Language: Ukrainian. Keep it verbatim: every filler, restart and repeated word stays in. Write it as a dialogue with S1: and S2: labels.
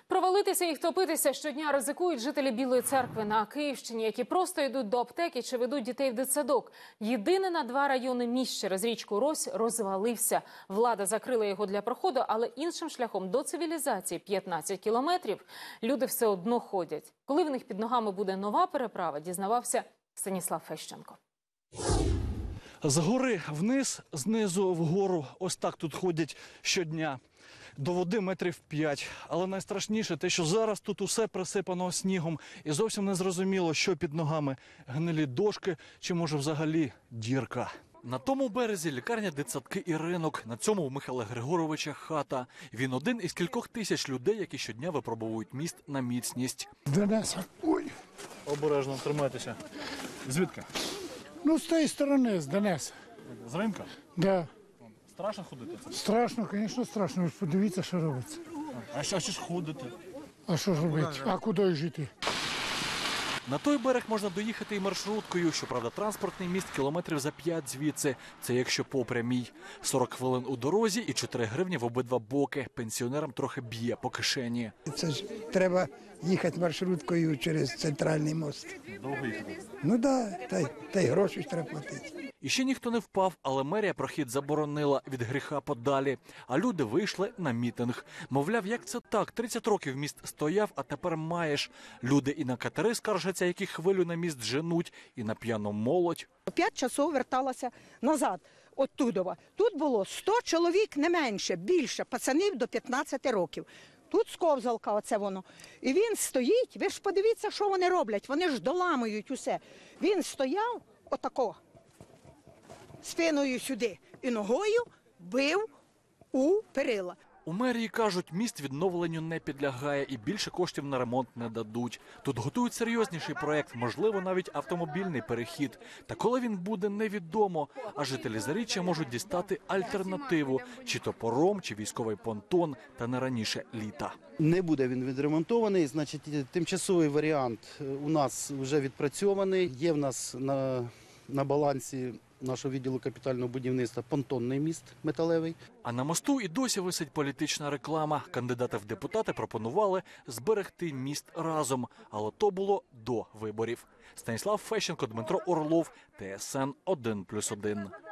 S1: Провалитися і втопитися щодня ризикують жителі Білої Церкви на Київщині, які просто йдуть до аптеки чи ведуть дітей в дитсадок. Єдиний на два райони міст через річку Рось розвалився. Влада закрила його для проходу, але іншим шляхом до цивілізації – п'ятнадцять кілометрів – люди все одно ходять. Коли в них під ногами буде нова переправа, дізнавався Станіслав Фещенко.
S2: Згори вниз, знизу вгору. Ось так тут ходять щодня. До води метрів п'ять. Але найстрашніше те, що зараз тут усе присипано снігом. І зовсім не зрозуміло, що під ногами. Гнилі дошки чи, може, взагалі дірка. На тому березі лікарня, дитсадки і ринок. На цьому у Михайла Григоровича хата. Він один із кількох тисяч людей, які щодня випробовують міст на міцність.
S3: Донеса. Ой.
S2: Обережно, тримайтеся. Звідки?
S3: Ну, з тієї сторони, з Донеса.
S2: З ринка?
S3: Да.
S2: Страшно ходити?
S3: Страшно, звісно, страшно. Ви ж подивіться, що робиться.
S2: А що ж ходити?
S3: А що ж робити? А куди жити?
S2: На той берег можна доїхати і маршруткою. Щоправда, транспортний міст кілометрів за п'ять звідси. Це якщо по прямій. сорок хвилин у дорозі і чотири гривні в обидва боки. Пенсіонерам трохи б'є по кишені.
S4: Це ж треба їхати маршруткою через центральний мост.
S2: Довго їхати?
S4: Ну так, да, та, й- та й гроші ж треба платити.
S2: І ще ніхто не впав, але мерія прохід заборонила від гріха подалі. А люди вийшли на мітинг. Мовляв, як це так? тридцять років міст стояв, а тепер маєш. Люди і на катери скаржаться, які хвилю на міст женуть, і на п'яну молодь.
S5: П'ять часов верталася назад, оттудова. Тут було сто чоловік, не менше, більше, пацанів до п'ятнадцяти років. Тут сковзалка, оце воно. І він стоїть, ви ж подивіться, що вони роблять, вони ж доламують усе. Він стояв отако, спиною сюди і ногою бив у перила.
S2: У мерії кажуть, міст відновленню не підлягає і більше коштів на ремонт не дадуть. Тут готують серйозніший проєкт, можливо, навіть автомобільний перехід. Та коли він буде, невідомо. А жителі Заріччя можуть дістати альтернативу – чи то паром, чи військовий понтон, та не раніше літа.
S6: Не буде він відремонтований, значить, тимчасовий варіант у нас вже відпрацьований. Є в нас на, на балансі нашого відділу капітального будівництва понтонний міст металевий.
S2: А на мосту і досі висить політична реклама. Кандидати в депутати пропонували зберегти міст разом. Але то було до виборів. Станіслав Фещенко, Дмитро Орлов, Т С Н один плюс один.